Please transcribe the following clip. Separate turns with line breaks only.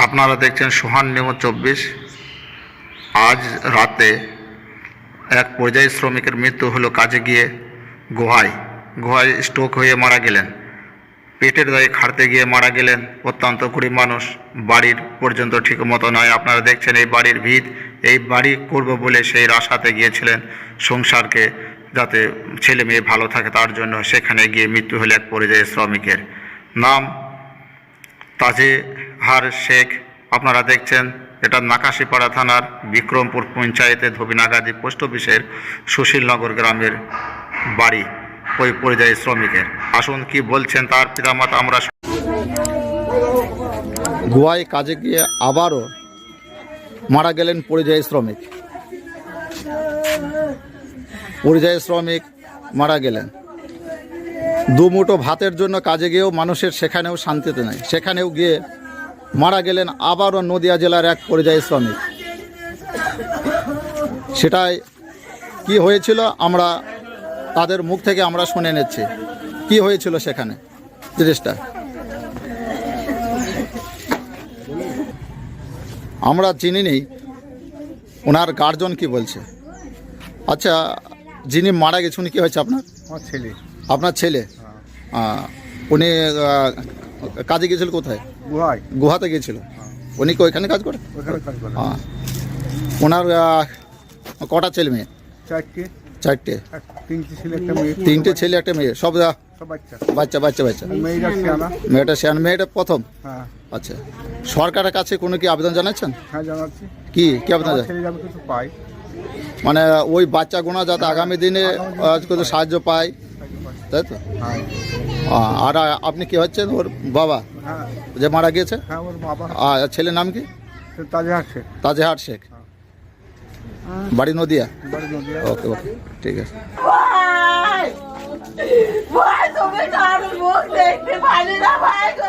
আপনারা দেখছেন সোহান নিউজ 24। আজ রাতে এক পরিযায়ী শ্রমিকের মৃত্যু হলো কাজে গিয়ে গুহায় স্ট্রোক হয়ে মারা গেলেন। পেটের দায়ে খাটতে গিয়ে মারা গেলেন। অত্যন্ত গরিব মানুষ, বাড়ির পর্যন্ত ঠিক মতো নয়। আপনারা দেখছেন এই বাড়ির ভিত, এই বাড়ি করব বলে সেই আশাতে গিয়েছিলেন সংসারকে, যাতে ছেলে মেয়ে ভালো থাকে তার জন্য। সেখানে গিয়ে মৃত্যু হলো এক পরিযায়ী শ্রমিকের। নাম তাজেহার শেখ। আপনারা দেখছেন এটা নাকাশিপাড়া থানার বিক্রমপুর পঞ্চায়েতে ধোবিনাগাদি পোস্ট অফিসের সুশীলনগর গ্রামের বাড়ি ওই পরিযায়ী শ্রমিকের। আসুন কি বলছেন তার পিতামাতা আমরা।
গোয়ায় কাজে গিয়ে আবারও মারা গেলেন পরিযায়ী শ্রমিক মারা গেলেন। দুমুঠো ভাতের জন্য কাজে গিয়েও মানুষের সেখানেও শান্তিতে নেই, সেখানেও গিয়ে মারা গেলেন আবারও নদিয়া জেলার এক পরিযায়ী শ্রমিক। সেটাই কি হয়েছিল আমরা তাদের মুখ থেকে আমরা শুনে নিচ্ছি কি হয়েছিল সেখানে জিনিসটা। আমরা চিনি নেই ওনার গার্জন কি বলছে। আচ্ছা, যিনি মারা গেছে উনি কি হয়েছে আপনার ছেলে? উনি কাজে গিয়েছিল কোথায়? গুহাতে গিয়েছিল। উনি কি ওইখানে কাজ করে? ওনার কটা ছেলে মেয়ে? চারটে। তিনটে ছেলে একটা মেয়ে, সব বাচ্চা। মেয়েটা শিয়ান, মেয়েটা প্রথম। আচ্ছা, সরকারের কাছে কোনো কি আবেদন জানাচ্ছেন? কি আবেদন? মানে ওই বাচ্চাগুলো যাতে আগামী দিনে কোনো সাহায্য পায়, তাই তো? আর আপনি কি হচ্ছেন? ওর বাবা যে মারা গিয়েছে? আর ছেলের নাম কি? তাজেহার শেখ। বাড়ি নদিয়া। ওকে, ঠিক আছে।
ভাই তুমি তার মুখ দেখতে পারি না ভাই।